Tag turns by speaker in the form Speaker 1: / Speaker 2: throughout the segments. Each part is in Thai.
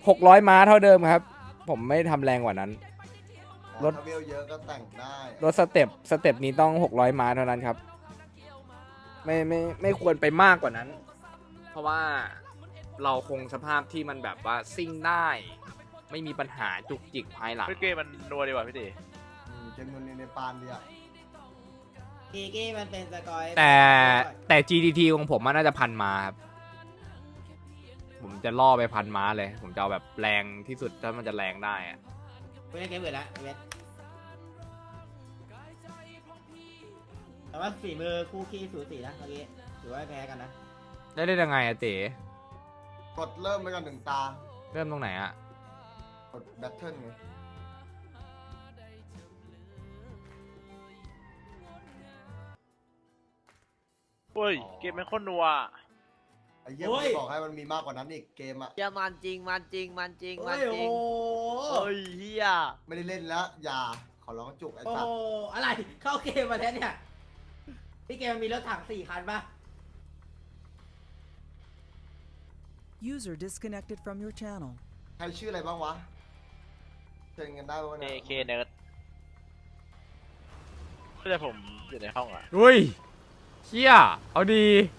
Speaker 1: 600 ม้าเท่าเดิมครับผมไม่ทำแรงกว่านั้นรถ
Speaker 2: ถ้าเวลเยอะก็แต่งได้
Speaker 1: รถสเต็ปนี้ต้อง600 ม้าเท่านั้นครับไม่ควรไปมากกว่านั้น เพราะว่าเราคงสภาพที่มันแบบว่าซิ่งได้ ไม่มีปัญหาจุกจิกภายหลัง
Speaker 3: เกมมันนัวดีกว่าพี่ตี
Speaker 2: เกมมันในปานดีอ่ะ
Speaker 4: กีกี้มันเป็นสกอย
Speaker 1: แต่ GTT ของผมมันน่าจะพันม้าครับผมจะล่อไปพันม้าเลย ผมจะเอาแบบแรงที่สุดถ้ามันจะแรงได้อะ
Speaker 4: ไม่ได้เกมอื่นละเวทแต่ว่าฝีมือคู่ขี้สูสีนะเมื่อกี้ถือว่าแพ้กันนะ
Speaker 1: ได้ยังไงอะเต๋
Speaker 2: กดเริ่มไปก่อนหนึ่งตา
Speaker 1: เริ่มตรงไหนอะ
Speaker 2: กดแบทเทิลไง
Speaker 3: เฮ้ยเกมมันโคตรนัว
Speaker 2: ไอ้เหี้ยผมจะบอกให้มันมีมากกว่านั้นอีกเกมอ่ะ
Speaker 5: เฮียมันจริงมันจริงมันจริง
Speaker 4: โอ้
Speaker 5: มัน
Speaker 4: ย
Speaker 5: จ
Speaker 4: โอ้
Speaker 5: ริง
Speaker 4: โห
Speaker 5: เฮ้ยเฮีย
Speaker 2: ไม่ได้เล่นแล้วอย่าขอร้องจุกไอ้
Speaker 4: โอ้
Speaker 2: สัต
Speaker 4: โห
Speaker 2: ว์
Speaker 4: อะไรเข้าเกมมาแล้วเนี่ยพี่เกมมันมีรถถัง4 คันปะ
Speaker 6: User disconnected from your channel.
Speaker 2: ใครชื่ออะไรบ้างวะเชิญกันได้ป่ะ
Speaker 3: เอ
Speaker 2: เนี่ย
Speaker 3: เคเนิร์ดก็จะผมอยู่ในห้องอ่ะ
Speaker 1: อุ้ยเชี่ยเอาดี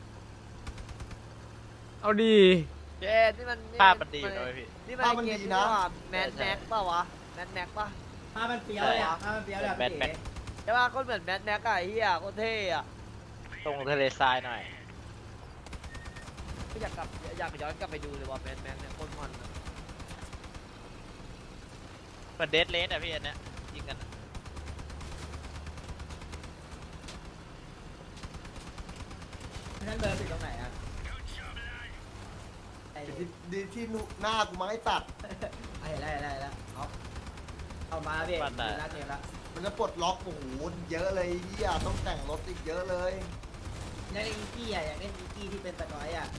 Speaker 1: เอาดี
Speaker 5: เจ๊นี่มัน
Speaker 3: ภาพมันดีอยู่นะเว้ยพี่
Speaker 5: นี่มันเกมที่ว่าแมนแม็กป่าวะแมนแม็กป่ะ
Speaker 4: ภาพมันเฟี้ยวเลยอ่ะภาพมันเฟี้ยวเลยอะพี่เก๋
Speaker 5: ใช่ป่ะก็เหมือนแมนแม็กอะไอ้เฮียโคตรเท่อะ
Speaker 3: ตรงทะเลทรายหน่อย
Speaker 5: อยากย้อนกลับไปดูเลยว่าแมนแม็กเนี่ยโคตรมันอะ
Speaker 3: เหมือนเดดเลสอ่ะพี่อันเนี้ยยิงกันอะ
Speaker 4: นั่นเบอร์ติดตรงไหนอ่ะไอ้
Speaker 2: ดีที่หน้ากูมาให้ตัด
Speaker 4: เห็นแล้วเอามาพี่ลากเกมละ
Speaker 2: มันจะปลดล็อกโอ้โหเยอะเลยเหี้ยต้องแต่งรถอีกเยอะเลย
Speaker 4: อยากเล่นอีกี้อ่ะอยากเล่นอีกี้ที่เป็นสกอยอ่ะ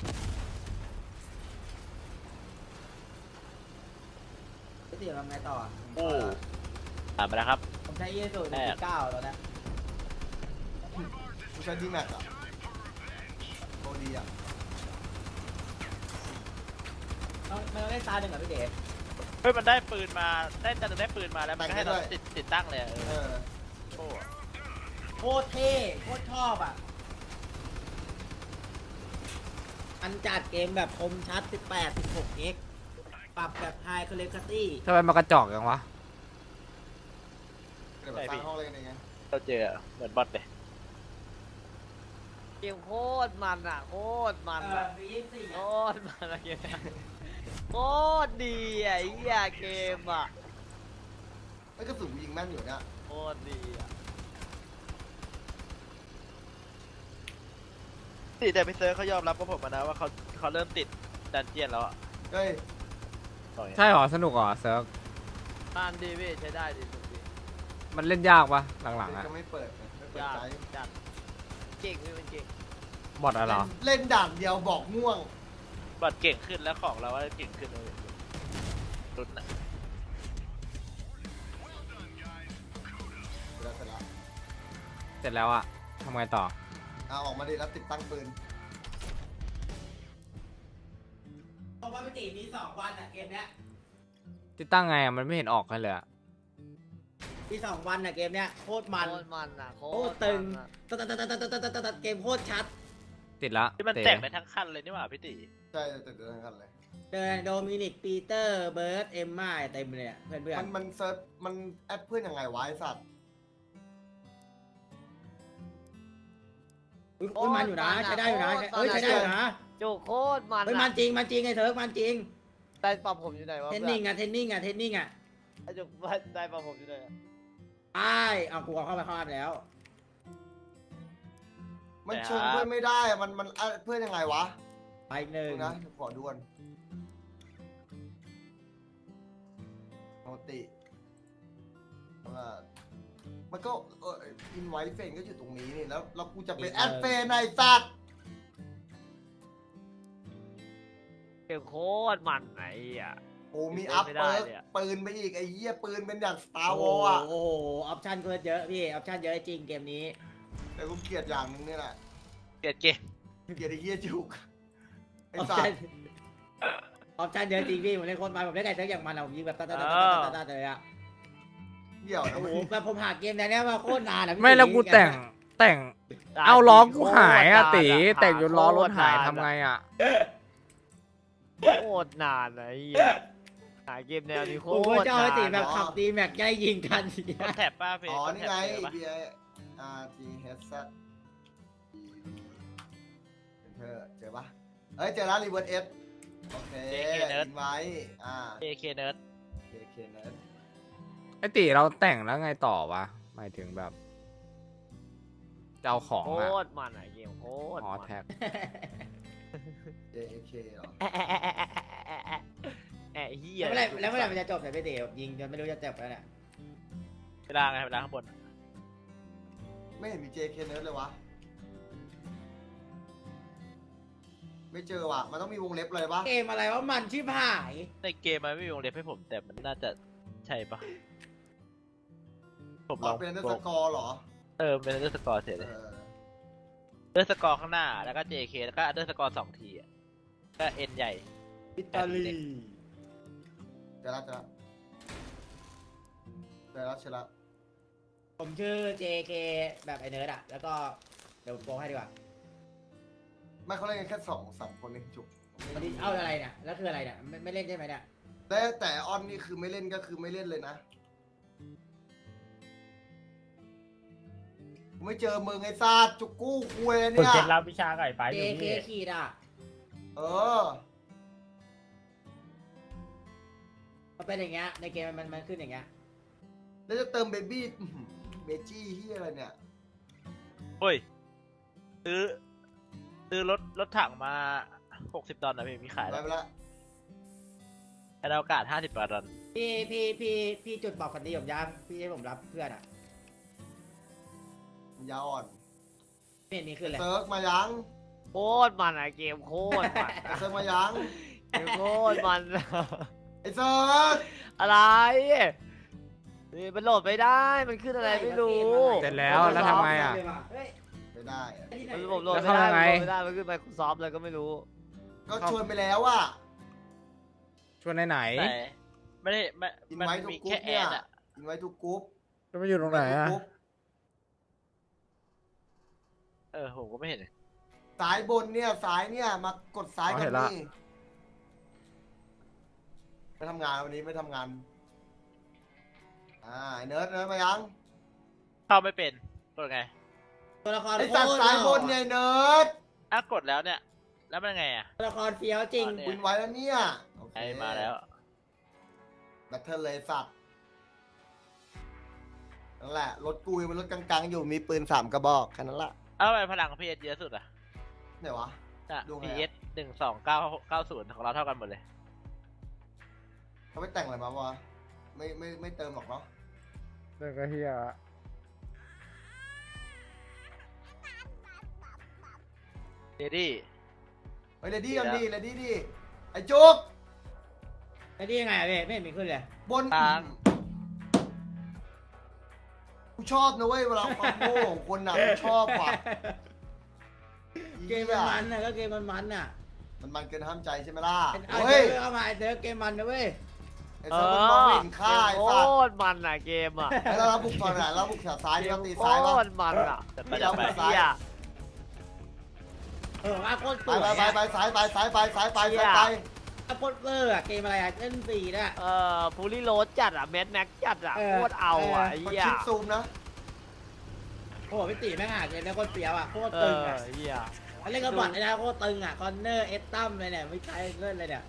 Speaker 4: พี่ติ๋วทำไงต่อ
Speaker 3: โอ้ตามไปแล้วครับ
Speaker 4: ผมใช้ยีสู1.9ตอนนี้
Speaker 2: กูใช้ดีแม็กอะโคตรดีอะ
Speaker 4: มันเล่นตาหนึ่งกับพี่เด๋
Speaker 3: เฮ้ยมันได้ปืนมาได้จะได้ปืนมาแล้วมันก็ให้เราติดตั้งเลยอะ
Speaker 2: เออ
Speaker 3: โอ้
Speaker 4: โคตรเท่โคตรชอบอ่ะอันจัดเกมแบบคมชัด 18-16x ปรับแบบไฮคอลเลกตี้
Speaker 1: ทำไมมากระจอกยังวะ
Speaker 2: เดี๋ยวแบบสร้างห้องอะไรกันยังไง
Speaker 3: เราเจอเหมือนบอทเลย
Speaker 5: เกมโคตรมันอะโคตรมันอะ
Speaker 4: มี24
Speaker 5: โคตรมันอะเกมเนี่ยโคตรดีอะไอ้เฮียเกมอะ
Speaker 2: ไอ้กระสุนกูยิงแม่นอยู่เนี่ย
Speaker 5: โคตรดีอะ
Speaker 3: แต่พี่เซอร์เขายอมรับกับผมมานะว่าเขาเริ่มติดดันเจียนแล้วอ่ะ
Speaker 2: เฮ้ย
Speaker 3: บอกอย่างเงี้ย
Speaker 1: ใช่หรอสนุกเหรอเซิร์ฟ
Speaker 5: มันดีพี่ใช้ได้ดีสุดพี่
Speaker 1: มันเล่นยากปะหลังๆอะ
Speaker 2: ก็ไม่เปิดไม่เปิด
Speaker 5: ยาก
Speaker 2: ใจ
Speaker 5: จัดเก่งพี่มันเก่ง
Speaker 1: บอทอะไรเหรอ
Speaker 2: เล่นด่านเดียวบอกง่วง
Speaker 3: บอทเก่งขึ้นแล้วของเราว่าเก่งขึ้นเลยรุ่นน่ะ
Speaker 2: เสร็จแล้ว
Speaker 1: เสร็จแล้วอะทำไงต่อ
Speaker 2: เอาออกมาดิแล้วติดตั้งปืน
Speaker 4: เพราะว่าพี่ติ๋วมี2 วันอ่ะเกมเนี้ย
Speaker 1: ติดตั้งไงอะมันไม่เห็นออกกันเลยอะ
Speaker 4: มี2 วันอ่ะเกมเนี้ยโคตรมัน
Speaker 5: โคตรมันอะโค
Speaker 4: โค
Speaker 5: ต
Speaker 4: ต
Speaker 5: ร
Speaker 4: รตึง
Speaker 5: มันอะ
Speaker 4: ตัดเกมโคตรชัด
Speaker 1: ติดละ
Speaker 3: ที่มัน
Speaker 1: เต๋
Speaker 3: แต่งได้ทั้งคันเลยนี่หว่าพี่ตี
Speaker 2: ใช่ติดทั้งกันเลย
Speaker 4: เดินโดมินิกปีเตอร์เบิร์ดเอมม่าเต็มเลยอะเพื่อน
Speaker 2: มันเซิร์ชมันแอดเพื่อนยังไงวะไอ้สัตว์
Speaker 4: ๆอุ๊ยมันอยู่นะใช้ได้อยู่นะใช้ได้อยู่นะ
Speaker 5: โจโคตรมัน
Speaker 4: เฮ้ยมั
Speaker 5: อะ
Speaker 4: นจริงไอ้เถิร์กมันจริง
Speaker 5: ได้ปรับผมอยู่ไหนวะ
Speaker 4: เทนนิ่งอ่ะไอ้
Speaker 5: โจได้ปรับผมอยู่ไหนอะ
Speaker 4: เอากูเข้าไปเข้าไปแล้ว
Speaker 2: มันชงเพื่อนไม่ได้อะมันแอดเพื่อนยังไงวะ
Speaker 4: ไปหนึ่ง
Speaker 2: ดูนะขอด่วนโนติว่ามันก็อินไวท์เฟนก็อยู่ตรงนี้นี่แล้วกูจะเป็นแอดเฟนไอ้สัตว์
Speaker 5: เกมโคตรมันไอ้อะ
Speaker 2: โอ้มีอัพ
Speaker 5: ไม่ได้
Speaker 2: เปิร์ก
Speaker 5: เลยอะ
Speaker 2: ปืนไปอีกไอ้เหี้ยปืนเป็นอย่างสตาร์ว
Speaker 4: โอ้
Speaker 2: อ
Speaker 4: โห
Speaker 2: ลอ่ะ
Speaker 4: ออปชั่นเกินเยอะพี่ออปชั่นเยอะจริงเกมนี้
Speaker 2: แต่กูเกลียดอย่างหนึงนี่แหละ
Speaker 3: เกลียดเกม
Speaker 2: เกลียดไอ้เหี้ยจุกไอ้
Speaker 4: ออป
Speaker 2: สั
Speaker 4: ชั่
Speaker 2: ต
Speaker 4: น
Speaker 2: ว์
Speaker 4: ออปชั่นเยอะจริงพี่ผมเล่นโคตรมันผมเล่นไก่เซิร์ฟอย่างมันอะผมยิงแบบตาเลยอะ
Speaker 2: เดี๋ยว
Speaker 4: โอ้
Speaker 2: นะ
Speaker 4: โหแบบผมหาเกมในนี้มาโคตรนานอะพี่
Speaker 1: ไม่แล้วกูแต่งเอาล้อกูหายอะตีแต่งจนล้อรถหายทำไงอะ
Speaker 5: โคตรนานนะไอ้เหี้ยหาเกมแนวนี้โค
Speaker 4: ผม
Speaker 5: ต
Speaker 4: ว่า
Speaker 5: ร
Speaker 4: จะเอา
Speaker 5: นา
Speaker 4: ไอ้ตี
Speaker 5: น
Speaker 4: แบบขับตีแม็กใกล้ยิงกันอย่างเงี้
Speaker 3: ก
Speaker 4: ย
Speaker 3: ดแท็บป้าเพจ
Speaker 2: อ๋อก
Speaker 3: ด
Speaker 2: นี่
Speaker 3: แท็บ
Speaker 2: ไง
Speaker 3: เจอปะ
Speaker 2: B R G H Zเจอปะเฮ้ยเจอแล้วรีเวิร์สเอฟโอเคอินไว้
Speaker 3: AK Nerd
Speaker 2: KK เนิร์ด
Speaker 1: ไอตีเราแต่งแล้วไงต่อวะหมายถึงแบบจะเอาของ
Speaker 5: โค
Speaker 1: อะ
Speaker 5: ตรมันอะเกมโคตร
Speaker 1: อ๋อ
Speaker 5: มัน
Speaker 1: แท็ก
Speaker 2: JK เหรอ
Speaker 5: แอะเหี้ย
Speaker 4: แล้วเมื่อไหร่มันจะจบแต่พี่ตียิงจนไม่รู้จะจบแล้วเนี่ย
Speaker 3: เวลาไงเวลาข้างบน
Speaker 2: ไม่เห็นมี JK เนิร์ดเลยวะไม่เจอว่ะมันต้องมีวงเล็บเลยวะ
Speaker 4: เกมอะไรว่ามันชิบหาย
Speaker 3: ในเกมมันไม่มีวงเล็บให้ผมแต่มันน่าจะใช่ปะผมลอง
Speaker 2: เป็นอันเดอร์สกอร์เหรอ
Speaker 3: เป็นอันเดอร์สกอร์เสร็จ
Speaker 2: เอ
Speaker 3: เลย
Speaker 2: อ
Speaker 3: อันเดอร์สกอร์ข้างหน้าแล้วก็ JK แล้วก็อันเดอร์สกอร์2 ทีอะก็ N ใหญ่
Speaker 4: อิตาลี
Speaker 2: เจอแล้วเจอแล้ว
Speaker 4: ผมชื่อ JK แบบไอเนิร์ดอะแล้วก็เดี๋ยวผมโกงให้ดีกว่า
Speaker 2: ไม่เขาเล่นกันแค่2-3 คนเองจุก
Speaker 4: วันนี้เอาอะไรเนี่ยแล้วคืออะไรเนี่ยไม่เล่นใช่ไหมเนี่ย
Speaker 2: แต่ออนนี่คือไม่เล่นก็คือไม่เล่นเลยนะไม่เจอมึงไอ้ซาดจุกกู้คุย
Speaker 7: คุณ
Speaker 2: เนี่ย
Speaker 7: เคล็ดลับวิชาไก่ไปอยู่
Speaker 4: JK
Speaker 7: นี่
Speaker 4: ขีดอะ
Speaker 2: เออ
Speaker 4: มันเป็นอย่างเงี้ยในเกมมันขึ้นอย่างเงี้ย
Speaker 2: แล้วจะเติมเบบี้เบจี้ที่อะไรเนี่ย
Speaker 3: เฮ้ยซื้อรถถังมา60 ดอลลาร์นะพี่มีขาย
Speaker 2: ไป
Speaker 3: แล้ว
Speaker 2: ไปละ
Speaker 3: แต่อากาศ50 ดอลลาร์
Speaker 4: พี่จุดบอกคนดีผมยังพี่ให้ผมรับเพื่อนอะ
Speaker 2: ยาอ่อน
Speaker 4: ไม่เห็นมีขึ้นเลย
Speaker 2: เซิร์กมายัง
Speaker 5: โคตรมันอะเกมโคตรมัน
Speaker 2: เซิร์กมายัง
Speaker 5: เกมโคตรมัน
Speaker 2: ไอ้เซิร์ก
Speaker 5: อะไรนี่มันโหลดไม่ได้มันขึ้นอะไรไม่รู้
Speaker 1: เสร็จแล้วแล้วทำไงอะ
Speaker 4: เฮ้ย
Speaker 2: ไม่ได้อะ
Speaker 5: มันผมโหลด
Speaker 1: แล้ว
Speaker 5: ไม่
Speaker 1: เข้า
Speaker 5: ได้
Speaker 1: ยังไง
Speaker 5: มันโหลดไม่ได้มันขึ้น Microsoft เลยก็ไม่รู้
Speaker 2: ก็ชวนไปแล้วอ่ะ
Speaker 1: ชวนไหน
Speaker 3: แต่ไม่ได้ไม่
Speaker 2: อิน
Speaker 3: มัน
Speaker 2: ไว้ทุก
Speaker 3: มี
Speaker 2: กรุ๊
Speaker 3: แค่
Speaker 2: ป
Speaker 3: แอ
Speaker 2: เนี่ย
Speaker 3: ดอะ
Speaker 2: อินไว้ทุกกรุ๊ป
Speaker 1: จะไปอยู่ตรงไหนอะ
Speaker 3: ผมก็ไม่เห็น
Speaker 2: สายบนเนี่ยสายเนี่ยมากดซ้ายกันนี่ไม่ทำงานวันนี้ไม่ทำงานไอ้เนิร์ดมายัง
Speaker 3: เข้าไม่เป็นกดไง
Speaker 4: ตัวละคร
Speaker 2: ไอ้สัตว์สายบนเนี่ยเนิร์ด
Speaker 3: กดแล้วเนี่ย แล้วมันไงอ่ะ
Speaker 4: ตัวละครเฟี้ยวจริง
Speaker 3: เนี่ย
Speaker 2: วินไว้แล้วเนี่ยโอเค
Speaker 3: มาแล้ว
Speaker 2: แบทเทิลเลยสัตว์นั่นแหละรถกูยังเป็นรถกลางๆอยู่มีปืน3 กระบอกแค่นั้นละ
Speaker 3: เอาไปพลังพีเอสเยอะสุดอ่ะ
Speaker 2: ไหนวะ ดูไง
Speaker 3: พี
Speaker 2: อะ
Speaker 3: เอส12990ของเราเท่ากันหมดเลย
Speaker 2: เขาไม่แต่งอะไรมาวะไม่เติมหรอกเนาะ
Speaker 1: เรื่องก็เฮีย
Speaker 3: เดดี้
Speaker 2: เฮ้ยเลดี้กันดิเลดี้ดิไอ้จุก
Speaker 4: ไอ้นี่ยังไงอะพี่ไม่เห็นมีขึ้นเลย
Speaker 2: บนกูชอบนะเว้ยเวลาความโง่ของคนน่ะกูชอบว่ะ
Speaker 4: เกมมันน่ะก็เกมมันน่ะ
Speaker 2: มันเกินห้ามใจใช่ไหมล่ะ
Speaker 4: เอา
Speaker 2: เฮ้ย
Speaker 4: เซิร์ฟเข้ามาไอ้เซิร์ฟเกมมันนะเว้ย
Speaker 2: ไอ้เซิร์ฟมันมองไม่เห็นค่าไอ้
Speaker 5: โค
Speaker 2: สัตว์
Speaker 5: ตรมันอะเกมอะ
Speaker 2: ไอ้เราบุกฝั่งไหนเราบุกแถวซ้าย
Speaker 5: เก
Speaker 2: นี่
Speaker 5: ม
Speaker 2: เราตี
Speaker 5: โค
Speaker 2: ซ้ายป่ะ
Speaker 5: ตรมันอะ
Speaker 3: แต่
Speaker 2: ไม่
Speaker 3: ไม่
Speaker 2: เอา
Speaker 3: ได้ไป
Speaker 2: ซ้าย
Speaker 5: เฮีย
Speaker 4: โคตรส
Speaker 2: ไป
Speaker 4: วย
Speaker 2: ไปซ้ายไปซ้ายไปซ้ายไปซ้ายไป
Speaker 4: โคตรเวอร์อะเกมอะไรอะเล่นสีน่ะ
Speaker 5: พูลี่โรสจัดอะแมทแม็กจัดอะ
Speaker 4: เออ
Speaker 5: โคตรเอาอะไอ้
Speaker 2: กด
Speaker 5: เฮีย
Speaker 2: ชิปซูมนะ
Speaker 4: โอ้โหพี่ตีแม่งหาเกมแล้วโคตรเฟี้ยวอะโคตร
Speaker 5: เอ
Speaker 4: ตึง
Speaker 5: อ
Speaker 4: อะ
Speaker 5: เฮีย
Speaker 4: เล่นกระบอดไอ้นะโคตรตึงอะคอนเนอร์เอสตัมเลยเนี่ยไม่ใช่เล่นเลยเนี่ย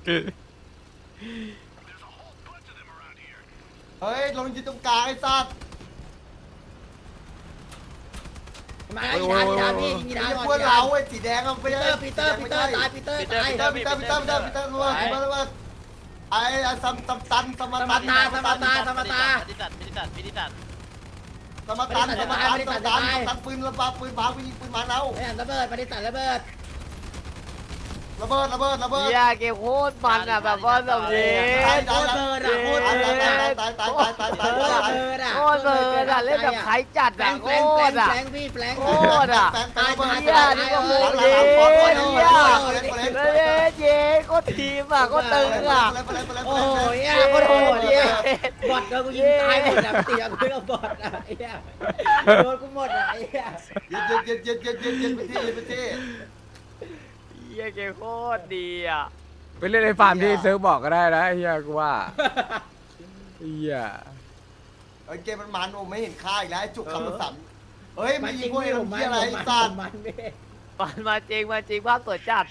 Speaker 2: เฮ้ยลงยืนตรงกลางไอ้สัตว์
Speaker 4: มาอีดาพี่อีดา
Speaker 2: ไอ้
Speaker 4: ก่อน
Speaker 2: พวกเราไอ้สีแดงเอาไป
Speaker 4: ปีเตอร์ตายปีเตอร์ตาย
Speaker 2: ปีเตอร์รู้ไอ้ซัมตันสมตัน
Speaker 3: พิธิสัต
Speaker 2: ตันปืนระบาปืนบายิงปืนมาแล้ว
Speaker 4: ไอ้อันระเบิดปฏิสัตระเบิด
Speaker 2: ระเบิด
Speaker 5: เฮียเกมโคตรมันอะแบบว่าแบบนี้
Speaker 4: โคตรเบิร์ดอะโคตรเบิร์ดอะ
Speaker 2: ตาย
Speaker 4: โคตรเบิร์ดอะ
Speaker 5: โคตรเบิร์ดอะเล่นแบบใครจัด
Speaker 4: แฟ
Speaker 5: อะ
Speaker 4: ง
Speaker 5: โค
Speaker 4: แฟง
Speaker 5: ตรอะ
Speaker 4: แฟงพี่แฟง
Speaker 5: โคตรอะ
Speaker 2: แฟงระเบิด
Speaker 5: เฮียนี่ก็โคตรดีเฮียเล่นยิงโคตรทีมอ่ะโคตรตึงอ่ะ
Speaker 4: โอ้ยเหี้ยโคตรโหดเนี่ยบอทโดนกูยิงตายหมดอ่ะเตียงกูกับบอทอ่ะไอ้เหี้ยโดนกูหมดอ่ะไอ้เหี้ย
Speaker 2: เย็นไปที่
Speaker 5: เฮียเกมโคตรดีอ่ะ
Speaker 1: ไปเล่นในฟาร์มที่เซิร์ฟบอกก็ได้นะไอ้เฮียกูว่าเฮีย
Speaker 2: เกมมันโอ้ไม่เห็นค่าอีกแล้วไอ้จุกคำละสัมเฮ้ย
Speaker 4: มั
Speaker 2: ไม่
Speaker 4: นจ
Speaker 2: ยิ
Speaker 4: ริ
Speaker 2: ง
Speaker 4: ง
Speaker 2: พวก
Speaker 4: ไม่
Speaker 2: ไอ้
Speaker 4: ผม
Speaker 2: ทำ
Speaker 4: มั
Speaker 2: เหี้ย
Speaker 4: น
Speaker 2: อะไร
Speaker 4: ผม
Speaker 2: สัตว์
Speaker 4: มันไม่
Speaker 5: มาจริงภาพสวยจัด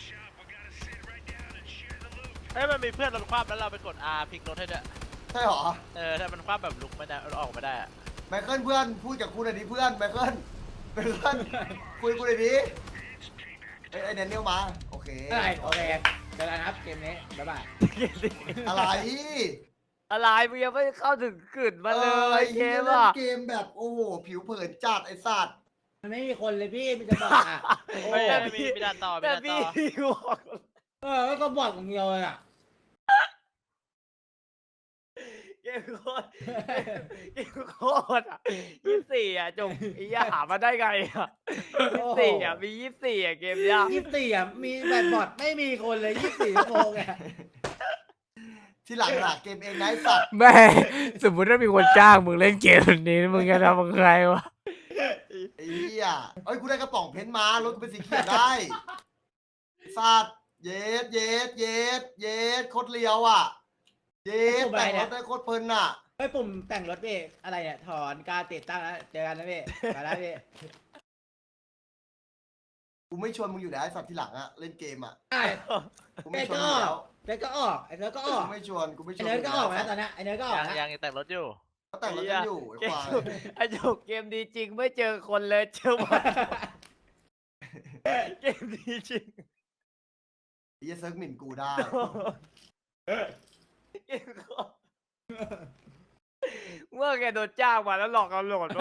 Speaker 3: เฮ้ยมันมีเพื่อนเราคว่ำแล้วเราไปกด R พลิกรถให้ด้วย
Speaker 2: ใช่หรอ
Speaker 3: ถ้ามันคว่ำแบบลุกไม่ได้ออกไม่ได้อะ
Speaker 2: ไมเคิลเพื่อนพูดกับกูหน่อยดิเพื่อนไมเคิลคุยกูหน่อยดิไอ้แดเนียลมาโอเค
Speaker 4: อะไรโอเคเจอกันครับเกมนี้บ๊ายบาย
Speaker 2: อะไร
Speaker 5: อะไรมึงยังไม่เข้าถึงกึ่นมาเล
Speaker 2: ไอ้
Speaker 5: ยเก
Speaker 2: เหี้ย
Speaker 5: ม
Speaker 2: เล่น
Speaker 5: อ่ะ
Speaker 2: เกมแบบโอ้โหผิวเผินจัดไอ้สัตว์
Speaker 4: มันไม่มีคนเลยพี่มีแต่บอทอ่ะ
Speaker 3: ไม่มีด่านต่อมี
Speaker 5: แต่
Speaker 3: ด่านต่
Speaker 5: พี่
Speaker 3: อ
Speaker 5: บอก
Speaker 4: แล้วก็บอทของเดียวเลยอ่ะ
Speaker 5: เกมโคตรเกมโคตรอ่ะ24อ่ะจงไอ้เหี้ยหามาได้ไงอ่ะ24อ่ะมี24อ่ะเกมเนี้ย
Speaker 4: 24อ่ะมีแบบบอทไม่มีคนเลย24ชั่วโมงอ่ะ
Speaker 2: ที่หลังหลักเกมเองนะไอ้สัตว์
Speaker 1: แม่สมมติถ้ามีคนจ้างมึงเล่นเกมนี้มึงจะทำกับใครวะ
Speaker 2: ไอ้เหี้ยเอ้ยกูได้กระป๋องเพนท์มารถกูเป็นสีเขียวได้สัตว์เย็ดโคตรเลียวอ่ะเย็ดแต่งรถได้โคตรเพลินอ่ะ
Speaker 4: เฮ้ยปุ่มแต่งรถพี่อะไรเนี่ยถอนการติดตั้งแล้วเจอกันนะพี่มาแล้วพี่
Speaker 2: กูไม่ชวนมึงอยู่แล้วไอ้สัตว์ที่หลังอ่ะเล่นเกมอ่ะ
Speaker 4: ไอ้
Speaker 2: กู
Speaker 4: ไอ้
Speaker 2: ไม่ชวน
Speaker 4: ก็
Speaker 2: มึ
Speaker 4: อง
Speaker 2: แล้
Speaker 4: อ
Speaker 2: ว
Speaker 4: กไอ้ก็ออกไอ้เนิร์ดก็ออก
Speaker 2: กูไม่ชวน
Speaker 4: ไอ้เนิร์ดก็ออกนะตอนนี้ไอ้เนิร์ดก็ออกนะ
Speaker 3: ยังแต่งรถอยู่
Speaker 2: เขาแต่งรถกันอยู่ไอ้
Speaker 5: เกม
Speaker 2: ควาย
Speaker 5: ไอ้จกเกมดีจริงไม่เจอคนเลยเจอหมดเกมดีจริง
Speaker 2: ไอ้เหี้ยเซิร์ฟหมิ่นกูได้
Speaker 5: เกมโคตรเมื่อแกโดนจ้างมาแล้วหลอกเอาโหลดมา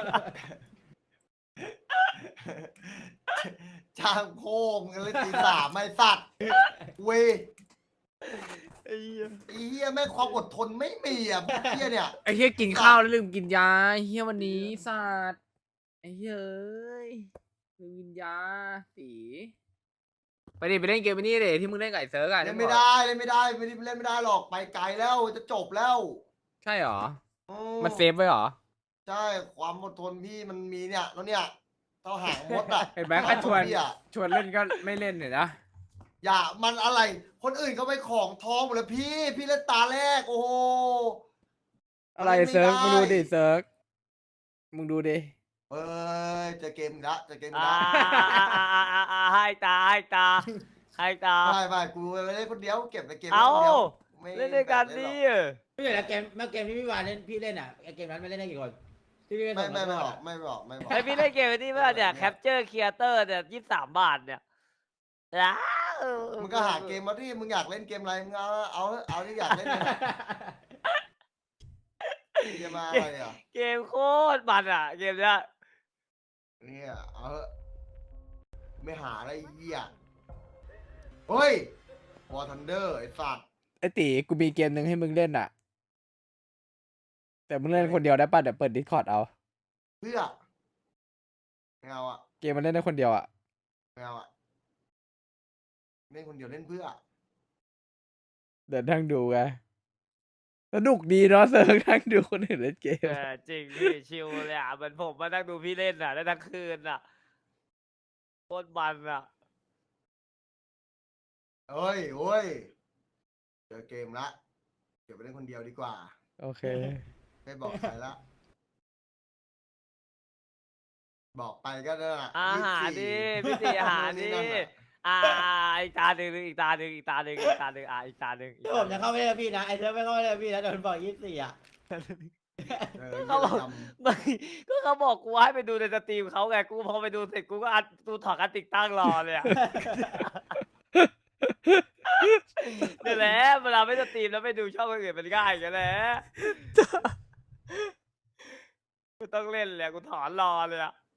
Speaker 2: จ้างโค้งกันเลยตีสามไม่สัตว์เว้ย
Speaker 5: ไอ้เหี้ย
Speaker 2: ไอ้เหี้ยแม่งความอดทนไม่มีอ่ะเหี้ยเนี่ย
Speaker 1: ไอ้เฮียกินข้าวแล้วลืมกินยาไอ้เฮียวันนี้สัตว์ไอ้เฮียเอ้ยลืมกินยาตีไปดิไปเล่นเกมนี้ดิที่มึงเล่นกับไอ้เซิร์กอะ
Speaker 2: เล่นไม่ได้เล่นไม่ได้ไม่ได้เล่นไม่ได้หรอกไปไกลแล้วจะจบแล้ว
Speaker 1: ใช่เหรอ
Speaker 2: อื
Speaker 1: มันเซฟไว้เหรอ
Speaker 2: ใช่ความอดทนพี่มันมีเนี่ยแล้วเนี่ยเท่าหางมดอ่ะ
Speaker 1: เห็นไหมก็ชวน
Speaker 2: พี่อะ
Speaker 1: ชวนเล่นก็ไม่เล่นเนี่ยนะ
Speaker 2: อย่ามันอะไร คนอื่นเขาไปของทองหมดแล้วพี่เล่นตาแรกโอ้โห
Speaker 1: อะไร
Speaker 2: มันเล่นไม่
Speaker 1: เซิร์ก
Speaker 2: ได้
Speaker 1: มึงดูดิเซิร์กมึงดูดิ
Speaker 2: เอ้ยเจะเกมอีกละเจะเกมอีก
Speaker 5: อ่า
Speaker 2: ละ
Speaker 5: ให้ตาให้ตา
Speaker 2: ไม่กูเล่นคนเดียวเก็บในเกม
Speaker 5: เอา
Speaker 2: คนเดียวไม่
Speaker 5: เล่นด้วยกัน
Speaker 2: แบ่ง
Speaker 5: ดิ
Speaker 2: เล่นหรอก
Speaker 4: ไม่ใช่แล้วเกมเมื่อเกมที่พี่วานเล่นพี่เล่นอ่ะไอ้เกมนั้นไม่เล่นได้กี่คนที่พี่เล่น
Speaker 2: ไม่
Speaker 4: ส่ง
Speaker 2: ไม่
Speaker 4: มา
Speaker 2: บอก
Speaker 4: อะ
Speaker 2: ไม่บอกไม่บอก
Speaker 5: ไอพี่เล่นเกมนี้ป่ะเนี่ยแคปเจอร์ครีเอเตอร์เนี่ย23 บาทเนี่ยอ้าว
Speaker 2: มึงก็หาเกมมาที่มึงอยากเล่นเกมอะไรมึงเอาที่อยากเล่นเลยเกมมาอะไรอ่ะ
Speaker 5: เกมโคตรมันอ่ะเกมเนี้ย
Speaker 2: เนี่ยเอาเถอะไม่หาอะไรเหี้ยเฮ้ย War Thunder ไอ้สัตว์
Speaker 1: ไอ้ตีกูมีเกมหนึ่งให้มึงเล่นอ่ะ แต่มึงเล่นคนเดียวได้ป่ะเดี๋ยวเปิดดิสคอร์ดเอา
Speaker 2: เพื่อไม่เอาอ่ะ
Speaker 1: เกมมันเล่นได้คนเดียวอ่ะ
Speaker 2: ไม่เอาอ่ะเล่นคนเดียวเล่นเพื่อ
Speaker 1: เดี๋ยวนั่งดูไงสนุกดีเนาะเซิร์กนั่งดูคนอื่นเล่นเกม
Speaker 5: จริงพี่ชิลเลยอ่ะเหมือนผมมานั่งดูพี่เล่นอ่ะได้ทั้งคืนอ่ะโคตรมันอ่ะ
Speaker 2: เฮ้ยเฮ้ยเจอเกมละเดี๋ยวไปเล่นคนเดียวดีกว่า
Speaker 1: โอเค
Speaker 2: ไม่บอกใครละ บอกไปก็นั่นแหละ
Speaker 5: อาหารดิพี่ตีอาหารดิ
Speaker 2: นั่นน่ะ
Speaker 5: อีกตาหนึ่งอีกตาหนึ่งอีกตาหนึ่งอีกตาหนึ่งอีกตาหนึ่ง
Speaker 4: ที่ผมจะเข้าไม่ได้พี่นะไอ้เนิร์ดไม่เข้าไม่ได้พี่นะโดนบอก24อ่ะ
Speaker 2: เออ
Speaker 5: เขาบอก
Speaker 2: จำ
Speaker 5: ไม่ก็เขาบอกกูให้ไปดูในสตรีมเขาไงกูพอไปดูเสร็จกูก็อัดกูถอดการติดตั้งรอเลยอ่ะ นี่แหละเวลาไม่สตรีมแล้วไปดูช่องคนอื่นมันง่ายกันแหละกูต้องเล่นเลยอะกูถอนรอเลยอ่ะ